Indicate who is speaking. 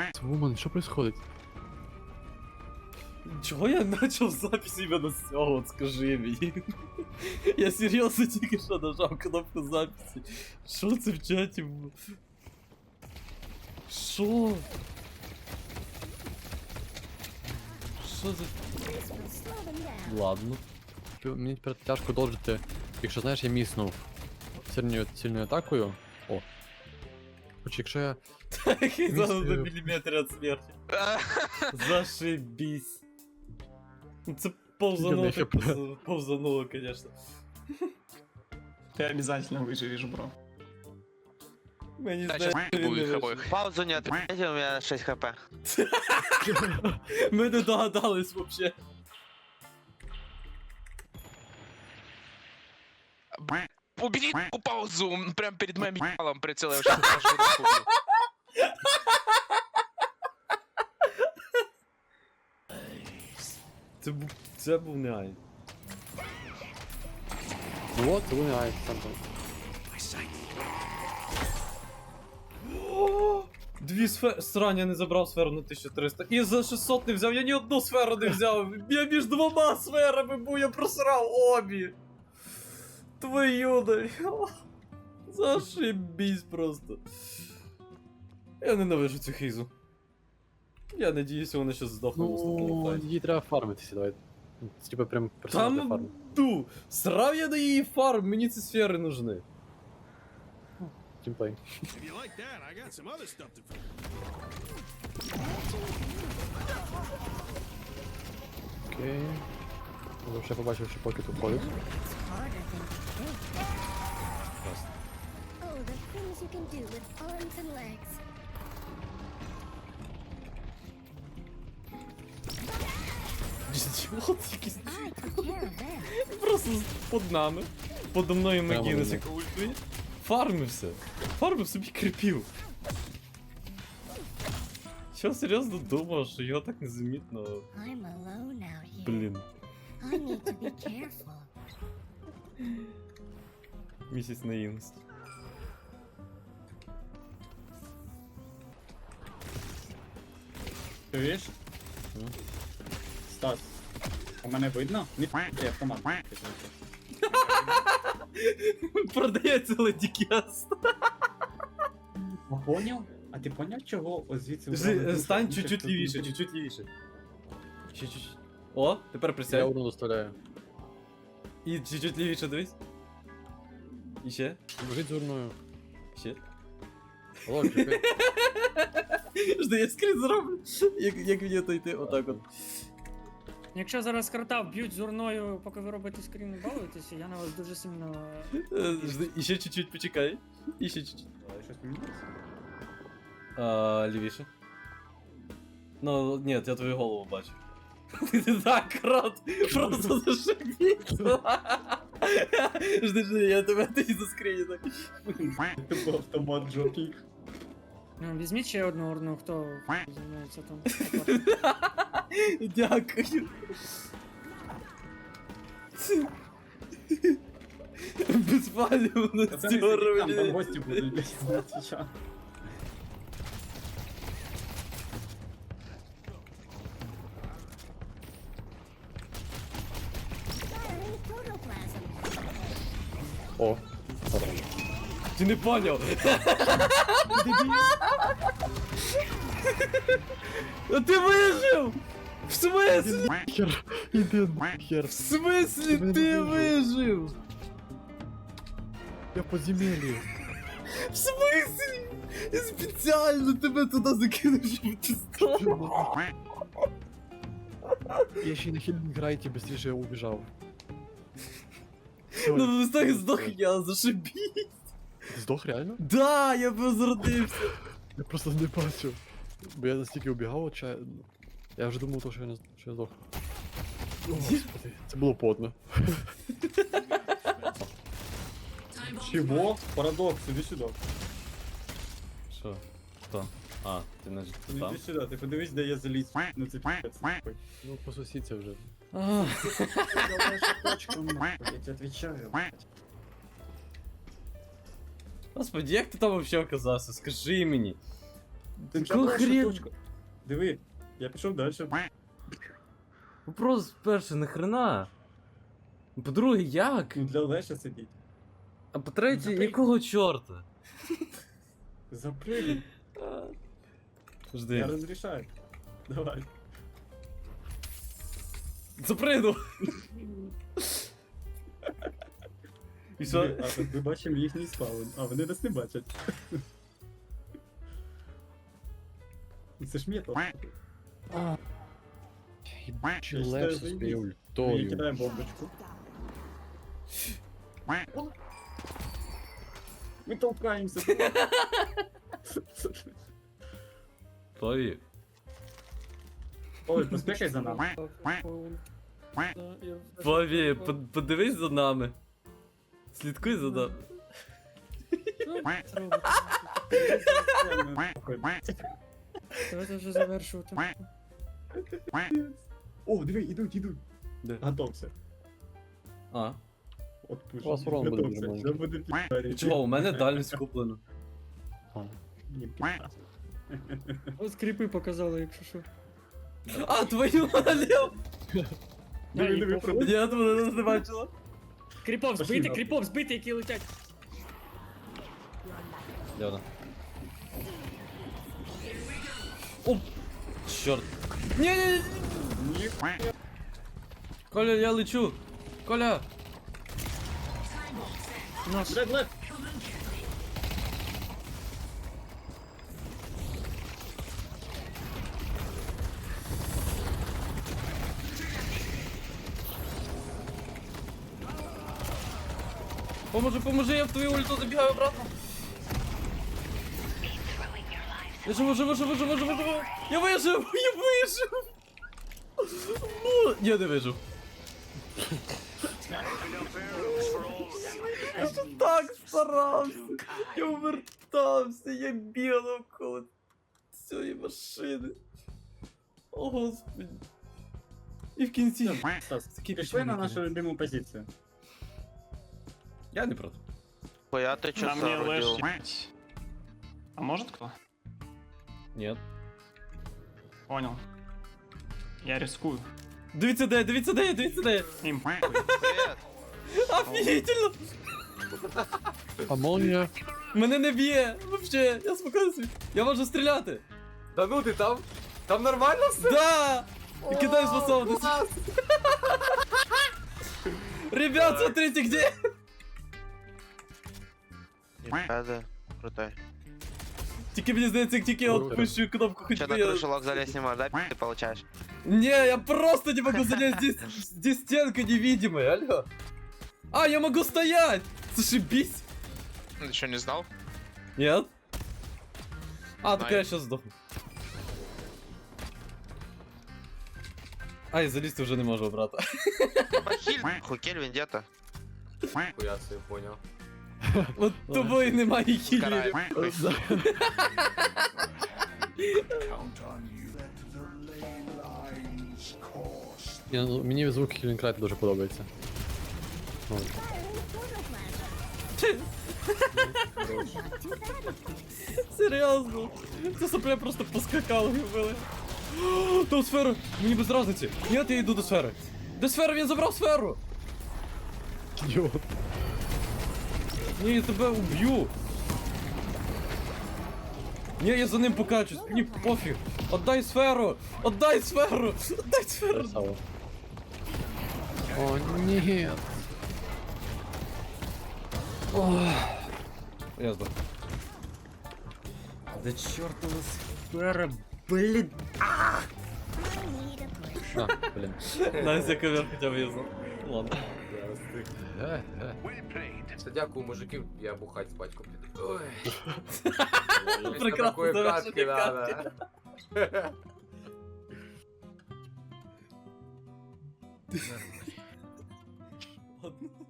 Speaker 1: Вуман, що происходит?
Speaker 2: Чого я почав запись іменно з цього, от скажи мені. Я серйозно тільки що нажав кнопку записи. Що це в чаті було? Що? Що за... Ладно.
Speaker 1: Мені тепер тяжко доджити. Якщо знаєш, я міснув сильною атакою. О. Хоч якщо я.
Speaker 2: Такий зараз на міліметр від смерті. Зашибісь. Ну це повзануло, повзануло, конечно.
Speaker 3: Ты обязательно выживешь, бро.
Speaker 2: Мені
Speaker 4: Да,
Speaker 2: здається,
Speaker 4: сейчас
Speaker 2: він
Speaker 4: буду
Speaker 2: не
Speaker 4: их
Speaker 2: вижив.
Speaker 4: обоих.
Speaker 5: Паузу не отмените, у меня 6 хп.
Speaker 2: Ми не догадались вообще.
Speaker 4: Убери паузу, он прям перед моим ебалом прицел, я вообще аж руку убил.
Speaker 2: Це був не ай.
Speaker 1: Ну от, вони ай, сам там.
Speaker 2: Дві сфери. Срань, я не забрав сферу на 1300. І за 600 не взяв, я ні одну сферу не взяв. Я між двома сферами був, я просрав обі. Твою да. Зашибісь просто. Я ненавижу цю хейзу. Я надіюся, вона щас здохне в наступному
Speaker 1: Ну,
Speaker 2: файті.
Speaker 1: їй треба фармитися, давай. Це типа прям персонал для
Speaker 2: Там
Speaker 1: фарму.
Speaker 2: ду! Срав я на її фарм, мені ці сфери нужны.
Speaker 1: Тімплей.
Speaker 6: If you like that, I got some other stuff to fix.
Speaker 1: Окей. Я вже побачив, що поки тут ходить.
Speaker 7: Oh, the things you can do with arms and legs.
Speaker 2: Ідіот якийсь.
Speaker 7: I took care of them.
Speaker 2: Просто под нами. Подо мною
Speaker 1: Прямо
Speaker 2: Магінес,
Speaker 1: на
Speaker 2: яка ультує. Фармився. Фармив собі кріпів. Що серйозно думав, що його так незамітно.
Speaker 7: I'm alone out here.
Speaker 2: Блін.
Speaker 7: I need to be careful.
Speaker 2: Місяць наївності.
Speaker 3: Чуєш? Стас, у мене видно? Ні, ти автомат.
Speaker 2: Продається ледікяст.
Speaker 3: Поняв? А ти поняв, чого ось звідси...
Speaker 2: Стань чуть-чуть лівіше, чуть-чуть лівіше. Ще чуть-чуть. О, тепер
Speaker 1: Я
Speaker 2: присядь.
Speaker 1: урну доставляю.
Speaker 2: І чуть-чуть лівіше дивись. І ще.
Speaker 1: Біжить з урною.
Speaker 2: Ще.
Speaker 1: Алло, чекай.
Speaker 2: Жди, я скрін зроблю. Як мені то йти, отак от.
Speaker 8: Якщо зараз крота вб'ють з урною, поки ви робите скрін і балуєтеся, я на вас дуже сильно...
Speaker 2: Жди, і ще чуть-чуть почекай. І ще чуть-чуть.
Speaker 3: Щось помінялося?
Speaker 2: Лівіше. Ну, ні, я твою голову бачу. Ти так, крот! Просто зашибісь! Жди, я тебе тоді заскріню так.
Speaker 3: Тупо автомат жовтий.
Speaker 8: Ну, візьміть ще одну урну, хто займається там.
Speaker 2: Дякую. Безпалювно
Speaker 3: Та це не там
Speaker 2: стюровані.
Speaker 3: гості будуть десь на твіча.
Speaker 7: Firing protoplasm.
Speaker 1: О.
Speaker 2: Ти не поняв? А ти вижив! В смислі?
Speaker 1: Хер, іди хер.
Speaker 2: В смислі ти вижив?
Speaker 1: Я в подземелі.
Speaker 2: В смислі? Я спеціально тебе туди закинув, щоб ти став.
Speaker 1: Я ще й на хілінг грайті быстріше убіжав.
Speaker 2: Ну так здох я, зашибісь.
Speaker 1: Ти здох реально?
Speaker 2: Да, я возродився.
Speaker 1: Я просто не бачив. Бо я настільки убігав, я вже думав, що я здох. О, Господи, це було подно.
Speaker 3: Чого? Парадокс, іди сюди.
Speaker 2: Що? Хто? А, ти значить
Speaker 3: Іди
Speaker 2: там?
Speaker 3: сюди, ти подивись, де я заліз. Ну це пи***ць.
Speaker 1: Ну, по сусідці вже.
Speaker 2: А,
Speaker 3: Я тебе отвечаю.
Speaker 2: Господи, як ти там вообще оказався? Скажи мені.
Speaker 3: Ти
Speaker 2: Якого хрена?
Speaker 3: Диви, я пішов далі.
Speaker 2: Вопрос перший, нахрена? По-друге, як?
Speaker 3: Ну для Леша сидіть.
Speaker 2: А по-третє,
Speaker 3: Запрыг.
Speaker 2: якого чорта?
Speaker 3: Запрыгай. Я
Speaker 2: Жди.
Speaker 3: розрішаю. Давай.
Speaker 2: Запригнув! І що?
Speaker 3: Диви, а тут ми бачимо їхній спаун, а вони нас не бачать. Це ж метод.
Speaker 1: Ебучий
Speaker 3: Я считаю,
Speaker 1: лепс з
Speaker 3: заебись.
Speaker 1: своєю
Speaker 3: Ми
Speaker 1: ультою.
Speaker 3: кидаємо бомбочку. Ми толкаємося.
Speaker 2: Плаві.
Speaker 3: Ой, поспішай за нами.
Speaker 2: Плаві, подивись за нами. Слідкуй за нами.
Speaker 8: Давайте вже завершувати.
Speaker 3: О, диви, ідуть.
Speaker 2: Де?
Speaker 3: Готовся.
Speaker 2: А.
Speaker 3: От пуш.
Speaker 1: У вас урон буде
Speaker 3: Готовся.
Speaker 1: нормально.
Speaker 3: Це буде пі***рі.
Speaker 2: Чого, у мене дальність куплена.
Speaker 3: Ні, пі***.
Speaker 8: Ось кріпи показали, якщо що.
Speaker 2: А, твою налів!
Speaker 3: Диви,
Speaker 8: похуй.
Speaker 3: продовжуй.
Speaker 2: Я тебе не бачила.
Speaker 8: Кріпов
Speaker 3: Пошли
Speaker 8: збити,
Speaker 3: нахуй.
Speaker 8: кріпов збити, які летять.
Speaker 2: Де вона? О! Чорт. Ні.
Speaker 3: Ні.
Speaker 2: Коля, я лечу. Коля.
Speaker 8: Наш.
Speaker 3: Блядь.
Speaker 2: Поможи, я в твою ульту забігаю обратно. Я живу. Я вижив. Ну, я не вижив. Я ж так старався. Я увертався, я бігав коло цієї машини. О, Господи. І в кінці.
Speaker 3: Стас,
Speaker 2: Такий
Speaker 3: пішли на
Speaker 2: печальний
Speaker 3: нашу
Speaker 2: кінець.
Speaker 3: любиму позицію.
Speaker 2: Я не проти.
Speaker 5: Хуя ты чё
Speaker 9: На мне
Speaker 5: соорудил?
Speaker 9: лэш. А может кто?
Speaker 2: Ні.
Speaker 9: Понял. Я рискую.
Speaker 2: Дивіться де я.
Speaker 9: Им
Speaker 5: Привет.
Speaker 2: Офігительно.
Speaker 1: Амонія.
Speaker 2: Мене не б'є. Вообще, я спокійно собі. Я можу стріляти.
Speaker 10: Та ну ти там? Там нормально все?
Speaker 2: Да! И кидай способность. Ребят, смотрите, где...
Speaker 5: Рада. Крутой.
Speaker 2: Тільки мені здається, як тільки я отпущу кнопку
Speaker 5: Че на
Speaker 2: ходьбы.
Speaker 5: крышу лог залезть не можешь, да? Ты получаешь.
Speaker 2: Не, я просто не могу залезть, здесь стенка невидимая, алло. А, я могу стоять! Зашибись!
Speaker 4: Ты что, не знал?
Speaker 2: Нет? А, так
Speaker 4: Знаю.
Speaker 2: я сейчас сдохну. Ай, залезть уже не можу, брата.
Speaker 5: Бахиль. Хукель, вендетта.
Speaker 10: Я себе понял.
Speaker 2: От тобою немає хілі.
Speaker 4: Караю.
Speaker 1: Мені звук Хілінкрайт дуже подобається. Ну,
Speaker 2: Серйозно? Це сопля просто поскакали і вбили. О, там сфера! Мені без разниці. Ні, я йду до сфери. Де сфера? Він забрав сферу!
Speaker 1: ідіот.
Speaker 2: Ні, я тебе уб'ю. Ні, я за ним покачусь. Мені пофіг. Отдай сферу! Отдай сферу! Отдай сферу!
Speaker 1: Красава. О, ні.
Speaker 2: Я здох.
Speaker 8: Да чортова сфера, блін.
Speaker 1: А, блін.
Speaker 2: Настя ковер хоча б я знав. Ладно.
Speaker 10: Все, дякую, мужики, я бухать з батьком піду. Ой.
Speaker 2: Прекрасно
Speaker 10: Такої
Speaker 2: завершення
Speaker 10: катки надо.
Speaker 2: Ладно.